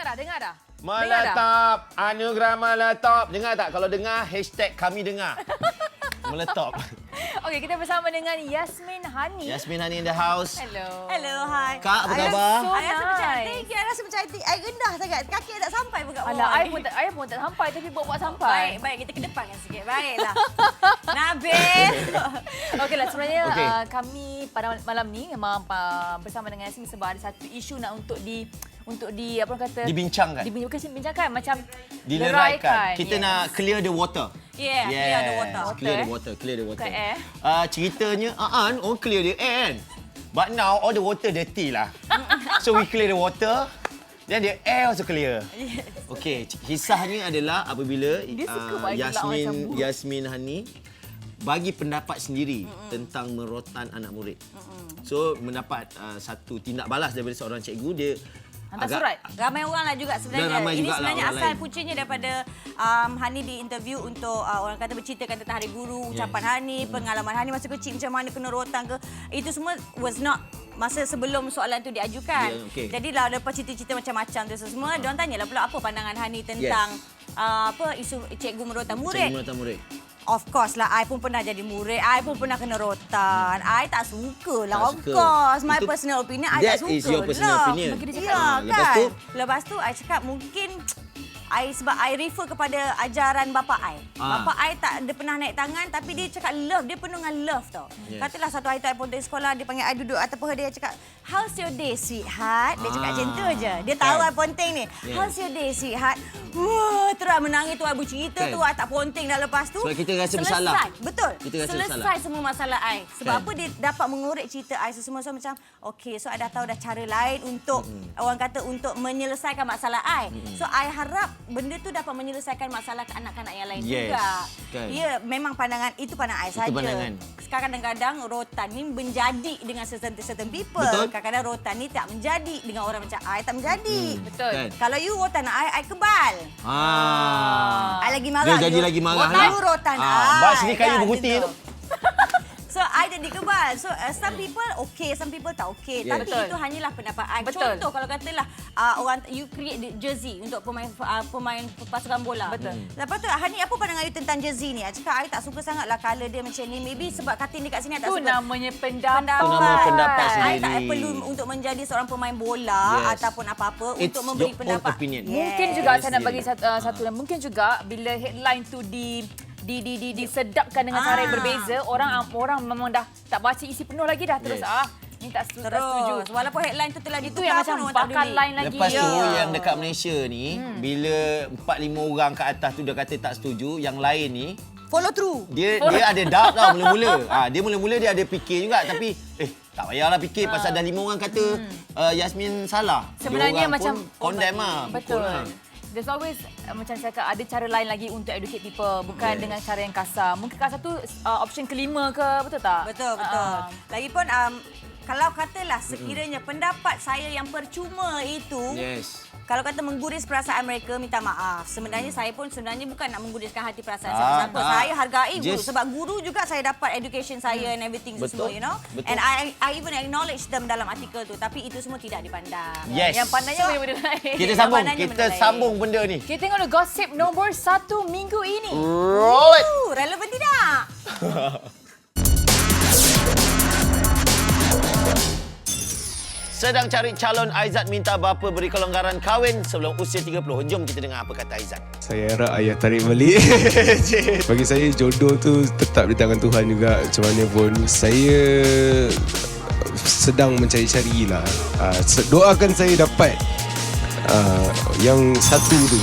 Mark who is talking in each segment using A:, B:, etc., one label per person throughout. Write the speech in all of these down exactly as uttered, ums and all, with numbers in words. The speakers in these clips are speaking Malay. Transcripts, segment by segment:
A: dah, dengar dah.
B: Meletop. Anugerah meletop. Dengar tak? Kalau dengar, hashtag kami dengar. Meletop.
A: Okey, kita bersama dengan Yasmin Hani.
B: Yasmin Hani in the house.
A: Hello.
C: Hello, hi.
B: Kak, apa
C: I
B: khabar?
A: So
C: I rasa macam
A: nice.
C: thank you. I rasa macam hati I rendah sangat. Kaki I tak sampai pun kat bawah.
A: Alah,
C: ni.
A: I pun tak, I pun tak sampai tapi buat-buat sampai.
C: Baik, baik. Kita ke depan kan sikit. Baiklah. Nabil.
A: Okeylah, sebenarnya
B: Okey.
A: uh, kami pada malam ni memang uh, bersama dengan Yasmin sebab ada satu isu nak untuk di untuk di apa orang kata
B: Dibincangkan.
A: Dibincangkan, bincangkan macam
B: Dileraikan. Kita
A: yes.
B: nak clear the water.
C: Yeah,
B: Yes.
C: clear the water.
B: Clear
A: eh?
B: the water. Clear the water.
A: Bukan air.
B: Uh, ceritanya, uh, orang clear the air kan. But now, all the water dirty lah. So, we clear the water. Then the air also clear.
C: Yes.
B: Okey, kisahnya adalah apabila
A: Dia suka
B: uh,
A: bagi gelak macam
B: Yasmin
A: bu.
B: Yasmin Hani bagi pendapat sendiri mm-hmm. tentang merotan anak murid. Mm-hmm. So, mendapat uh, satu tindak balas daripada seorang cikgu, dia
A: Hantar
B: agak,
A: surat.
C: Ramai orang lah juga sebenarnya.
B: Dan ramai
C: Ini
B: jugalah
C: sebenarnya
B: orang
C: asal
B: lain.
C: puncanya daripada um, Hani di interview untuk uh, orang kata berceritakan tentang Hari Guru, ucapan
B: Yes.
C: Hani, pengalaman Hani masa kecil macam mana kena rotan ke. Itu semua was not masa sebelum soalan tu diajukan.
B: Yeah, okay.
C: Jadi lah lepas cerita-cerita macam-macam tu semua, uh-huh. diorang tanyalah pula apa pandangan Hani tentang
B: Yes.
C: uh, apa isu cikgu merotan murid.
B: cikgu merotan murid.
C: Of course lah, I pun pernah jadi murid. I pun pernah kena rotan. I tak suka lah.
B: Tak
C: Of
B: suka.
C: course. My
B: Itu-
C: personal opinion, I
B: that
C: tak suka
B: is your personal
C: lah.
B: opinion.
A: Bagi dia cakap.
C: Ya,
B: Ah,
C: kan?
B: lepas tu?
C: Lepas tu, I cakap mungkin... I, sebab I refer kepada ajaran bapa I.
B: Ah.
C: Bapa I tak dia pernah naik tangan tapi dia cakap love. Dia penuh dengan love tau.
B: Yes.
C: Katalah satu hari tu I pun dari sekolah, dia panggil I duduk atas paha dia, cakap, how's your day, sweetheart? Dia cakap
B: Ah.
C: macam tu je. Dia tahu
B: Kan?
C: I ponteng ni.
B: Yes.
C: How's your day, sweetheart? Wah, terus menangis tu I bercerita
B: Kan?
C: tu. I tak ponteng dah lepas tu.
B: Sebab kita rasa
C: selesai.
B: bersalah.
C: Betul.
B: Kita rasa
C: Selesai
B: bersalah.
C: semua masalah I. Sebab
B: Kan?
C: apa dia dapat mengorek cerita I semua so macam okey, so I dah tahu dah cara lain untuk mm-hmm. orang kata untuk menyelesaikan masalah I. Mm-hmm. So I harap benda tu dapat menyelesaikan masalah kanak-kanak yang lain
B: Yes.
C: juga.
B: Kan?
C: Ya, memang pandangan itu pandangan I
B: Itu
C: saja.
B: pandangan.
C: Sekarang kadang-kadang rotan ni menjadi dengan certain certain people.
B: Betul.
C: Kadang-kadang rotan ni tak menjadi dengan orang macam I tak menjadi.
B: Hmm.
A: Betul.
B: Kan?
C: Kalau you rotan I, I kebal.
B: Ah.
C: I lagi marah.
B: Dia jadi
C: you-
B: lagi marah
C: rotan
B: lah.
C: You rotan
B: Ah,
C: I.
B: bas ni kayu
C: Kan,
B: berguti
C: gitu.
B: tu.
C: So, I jadi kebal. So, uh, some people okay, some people tak okay.
B: Yes.
C: Tapi
A: Betul.
C: itu hanyalah pendapat I.
A: Betul.
C: Contoh, kalau katalah uh, orang you create the jersey untuk pemain uh, pemain pasukan bola.
A: Betul.
C: Lepas tu, Hani, apa pandangan you tentang jersey ni? I cakap, I tak suka sangat lah colour dia macam ni. Maybe sebab katin dekat sini, I tak
A: Itu
C: suka.
A: namanya pendapat.
C: Pendapat.
B: Itu nama pendapat
C: I
B: sendiri.
C: tak perlu untuk menjadi seorang pemain bola
B: Yes.
C: ataupun apa-apa
B: It's
C: untuk memberi
B: your own
C: pendapat.
B: opinion.
A: Mungkin
C: Yes.
A: juga saya nak bagi satu, uh, satu dan mungkin juga bila headline tu di di di di disedapkan dengan cara yang
C: Ah.
A: berbeza, orang orang memang dah tak baca isi penuh lagi dah terus
B: Yes.
A: ah ni tak setuju, tak setuju.
C: Terus. Walaupun headline tu telah
A: Itu
C: ditukar
A: yang
C: pun
A: macam
C: orang tak
A: bakal
C: peduli.
A: lain lagi.
B: Lepas tu
A: Ya.
B: yang dekat Malaysia ni hmm. bila empat lima orang ke atas tu dia kata tak setuju, yang lain ni
C: Follow through.
B: dia dia ada doubt tau mula-mula. Ah dia mula-mula dia ada fikir juga tapi eh tak payahlah fikir pasal dah lima orang kata uh, Yasmin salah.
A: Sebenarnya
B: Dia orang
A: macam
B: pun condemn ah.
A: betul.
B: pukul lah.
A: There's always uh, macam saya kata ada cara lain lagi untuk educate people bukan
B: Yes.
A: dengan cara yang kasar. Mungkin kasar tu uh, option kelima ke, betul tak?
C: Betul, betul.
A: Ah.
C: Lagipun um, kalau katalah sekiranya pendapat saya yang percuma itu,
B: Yes.
C: kalau kata mengguris perasaan mereka, minta maaf. Sebenarnya saya pun sebenarnya bukan nak mengguriskan hati perasaan
B: Tak,
C: siapa-siapa.
B: tak.
C: Saya hargai guru.
B: Just-
C: Sebab guru juga saya dapat education saya and everything tu semua,
B: Betul,
C: you know.
B: betul.
C: And I I even acknowledge them dalam artikel tu. Tapi itu semua tidak dipandang.
B: Yes.
A: Yang pandainya
C: So,
A: benda lain.
B: Kita sambung,
C: Pandangnya
B: kita
C: benda lain.
B: sambung benda ni.
A: Kita tengok dulu gosip nombor satu minggu ini.
B: Roll it.
C: Uh, relevan tidak?
B: Sedang cari calon, Aizat minta bapa beri kelonggaran kahwin sebelum usia tiga puluh. Jom kita dengar apa kata Aizat.
D: Saya harap ayah tarik balik. Bagi saya jodoh tu tetap di tangan Tuhan juga. Macam mana pun saya sedang mencari-cari lah. Uh, doakan saya dapat uh, yang satu tu.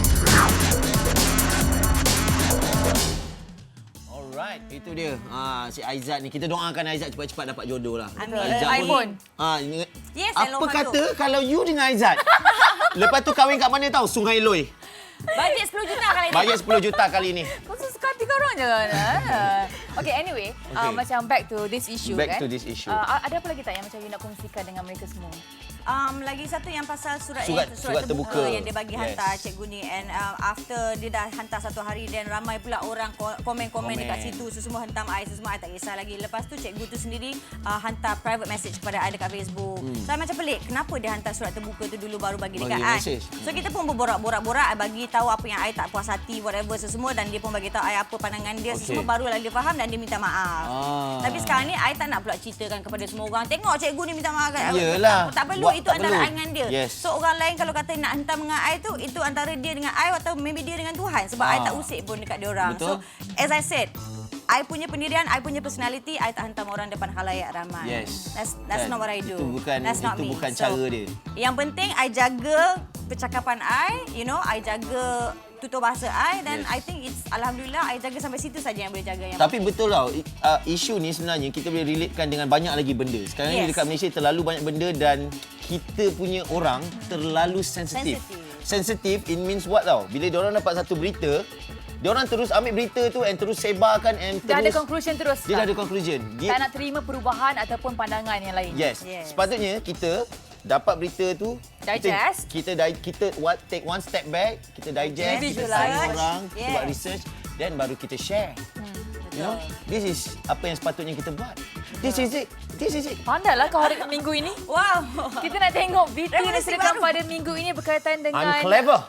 B: Alright, itu dia. Ha, si Aizat ni. Kita doakan Aizat cepat-cepat dapat jodoh lah.
C: Amin.
B: Aizat
A: Eh, iPhone.
B: Ha, ini,
C: Yes,
B: apa
C: Elon
B: kata
C: Musk.
B: kalau you dengan Aizat? Lepas tu kahwin kat mana tahu? Sungai Loi.
C: Bajet sepuluh juta kali ni.
B: Bajet sepuluh juta kali ni.
A: Kau suka hati korang je kan? Ah. Okay, anyway. Uh,
B: Okay.
A: macam back to this issue
B: Back
A: kan.
B: to this issue.
A: Uh, ada apa lagi tak yang macam you nak kongsikan dengan mereka semua?
C: Um, lagi satu yang pasal surat
B: Surat-
C: yang,
B: surat terbuka.
C: yang dia bagi
B: Yes.
C: hantar cikgu ni, and um, after dia dah hantar satu hari dan ramai pula orang ko- komen-komen
B: Komen.
C: dekat situ, so semua hentam I, so semua I tak kisah lagi. Lepas tu cikgu tu sendiri uh, hantar private message kepada I dekat Facebook. Hmm. So I macam pelik, kenapa dia hantar surat terbuka tu dulu baru bagi dekat
B: Bagi
C: I.
B: message.
C: So kita pun berborak-borak-borak, I bagi tahu apa yang I tak puas hati whatever so semua, dan dia pun bagi tahu I apa pandangan dia, so
B: Okey.
C: semua barulah dia faham dan dia minta maaf.
B: Ah.
C: Tapi sekarang ni I tak nak pula ceritakan kepada semua orang. Tengok cikgu ni minta maaf kat
B: Yelah.
C: tak, tak perlu,
B: Buat
C: itu
B: tak
C: antara
B: perlu.
C: I dengan dia.
B: Yes.
C: So orang lain kalau kata nak hantar dengan I tu, itu antara dia dengan I atau maybe dia dengan Tuhan, sebab
B: Ah.
C: I tak usik pun dekat dia orang.
B: Betul.
C: So as I said, I punya pendirian, I punya personality, I tak hantam orang depan khalayak ramai.
B: Yes.
C: That's that's
B: Kan?
C: not what I do.
B: Itu bukan-
C: that's not
B: itu
C: me.
B: bukan
C: So,
B: cara dia.
C: Yang penting I jaga percakapan I, you know, I jaga tutur bahasa I, dan
B: Yes.
C: I think it's alhamdulillah I jaga sampai situ saja yang boleh jaga. Yang
B: Tapi betul tau, i- uh, isu ni sebenarnya kita boleh relatekan dengan banyak lagi benda. Sekarang ni
C: Yes.
B: dekat Malaysia terlalu banyak benda dan kita punya orang terlalu sensitif.
C: Sensitif.
B: Sensitif, it means what tau? Bila diorang dapat satu berita, diorang terus ambil berita tu and terus sebarkan and
A: Dah ada
B: terus...
A: conclusion terus.
B: Dia dah
A: tak?
B: ada conclusion. Dia,
A: Tak nak terima perubahan ataupun pandangan yang lain.
B: yes.
C: Yes.
B: Sepatutnya kita dapat berita tu,
A: Digest.
B: Kita kita, di- kita what, take one step back, kita digest, kita
A: Visualize.
B: tanya orang, kita
C: Yes.
B: buat research, then baru kita share. You know, this is apa yang sepatutnya kita buat. This is it. This is it.
A: Pandailah kau hari minggu ini.
C: Wow.
A: Kita nak tengok video yang
C: Revolusi
A: disediakan
C: baru.
A: pada minggu ini berkaitan dengan
B: I'm clever.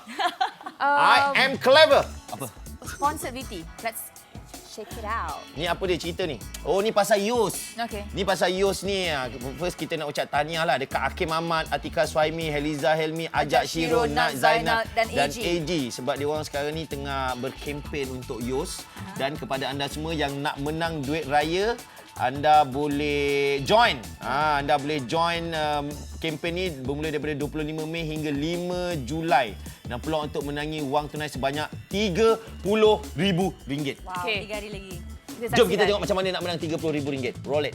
B: I
A: um,
B: am clever. Apa?
A: sponsored V T. Let's check it out.
B: Ni apa dia cerita ni? Oh, ni pasal Yus.
A: Okey.
B: Ni pasal Yus ni. ah. First kita nak ucap tahniah lah dekat Hakim Ahmad, Atika Suhaimi, Heliza Helmi, Ajak Shiro, Nat Zainal
A: dan A G.
B: A G. Sebab dia orang sekarang ni tengah berkempen untuk Yus. Dan kepada anda semua yang nak menang duit raya, anda boleh join. Ha, anda boleh join um, kempen ni bermula daripada dua puluh lima Mei hingga lima Julai. Dan peluang untuk menangi wang tunai sebanyak tiga puluh ribu ringgit.
C: Wow,
A: Okey.
C: tiga hari lagi.
B: Jom kita tengok macam mana nak menang tiga puluh ribu ringgit. Roll it.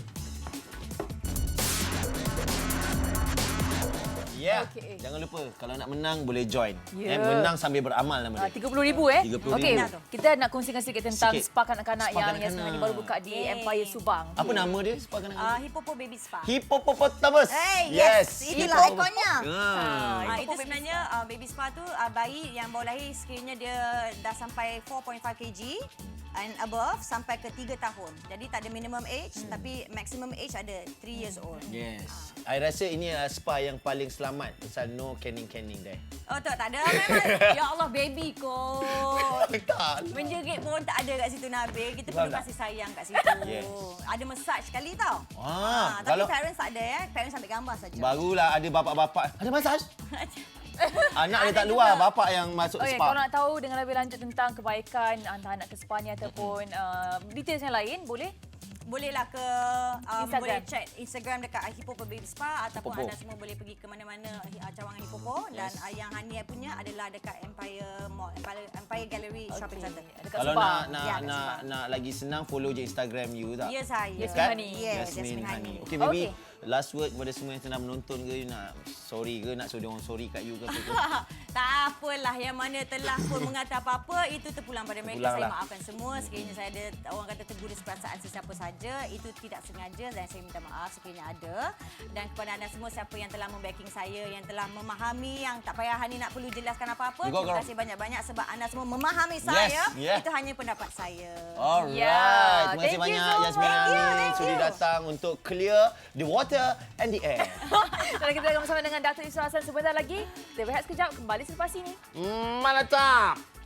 B: Ya. Yeah.
A: Okey.
B: Jangan lupa kalau nak menang boleh join.
A: Ya.
B: Eh, menang sambil beramal nama
A: Uh,
B: dia.
A: tiga puluh ribu eh?
B: tiga puluh
A: Okey,
B: ribu.
A: kita nak kongsikan sedikit tentang
B: Sikit.
A: spa kanak-kanak
B: Spa
A: yang, yang
B: kanak-kanak.
A: sebenarnya baru buka di
C: Yeay.
A: Empire Subang.
B: Apa nama dia? Spa
C: Uh,
B: kanak-kanak?
C: Hippopo Baby Spa.
B: Hippopotamus.
C: Hey, yes. Itulah
B: Hippo-
C: ikonnya.
B: Ah.
C: Ah, itu sebenarnya uh, baby spa tu uh, bayi yang baru lahir sekiranya dia dah sampai four point five kilogram and above sampai ke tiga tahun. Jadi tak ada minimum age hmm. tapi maximum age ada three years old.
B: Yes. I rasa ini adalah spa yang paling selamat pasal no canning-canning there.
C: Oh tak, tak ada memang. Ya Allah baby kot.
B: Tak.
C: Menjerit pun tak ada kat situ Nabil. Kita
B: Faham
C: perlu
B: tak?
C: kasih sayang kat situ.
B: Yes.
C: Ada massage sekali tau.
B: Ah,
C: tapi
B: kalau-
C: parents tak ada ya. Parents ambil gambar saja.
B: Barulah ada bapak-bapak. Ada masaj? Anak dia
C: Ada
B: tak luar,
C: juga.
B: bapak yang masuk
A: Okey,
B: spa.
A: kalau nak tahu dengan lebih lanjut tentang kebaikan hantar anak ke spa ni ataupun uh, details yang lain, boleh?
C: Bolehlah ke um,
A: Instagram.
C: boleh check Instagram dekat Hippopo Baby Spa ataupun
B: Hippopo.
C: anda semua boleh pergi ke mana-mana uh, cawangan Hippopo dan
B: Yes.
C: uh, yang Hania punya adalah dekat Empire Mall, Empire, Empire Gallery Shopping
A: Okey,
C: Center.
A: dekat
B: Kalau
A: Subang.
B: nak nak
C: Ya, kat
B: nak
C: Subang.
B: nak lagi senang follow je Instagram you tak?
C: Ya saya.
A: Yasmin
B: Kan?
A: Hani.
C: Yes,
B: Yasmin
C: Yasmin
B: Hani.
C: Hani.
B: Okay, maybe
A: Okey.
B: last word kepada semua yang tengah menonton ke, you nak sorry ke, nak suruh dia orang sorry kat you ke apa ke?
C: Tak apalah, yang mana telah pun mengata apa-apa itu terpulang pada mereka.
B: Terpulang
C: Saya
B: lah.
C: maafkan semua. Sekiranya saya ada orang kata tergurus perasaan sesiapa saja, itu tidak sengaja dan saya minta maaf sekiranya ada. Dan kepada anda semua siapa yang telah membacking saya, yang telah memahami, yang tak payah Hani nak perlu jelaskan apa-apa,
B: You go,
C: terima
B: girl.
C: kasih banyak-banyak sebab anda semua memahami saya.
B: yeah.
C: Itu hanya pendapat saya.
B: Alright.
A: Yeah.
B: Terima kasih
A: Thank you
B: banyak
A: so
B: Yasmin
A: much.
B: Hani
C: Thank you, thank
B: sudi
C: you.
B: datang untuk clear the water and the air.
A: Dan kita akan bersama dengan Datuk Isra Hassan sebentar lagi. Kita berehat sekejap, kembali selepas ini.
B: Hmm, mana tak?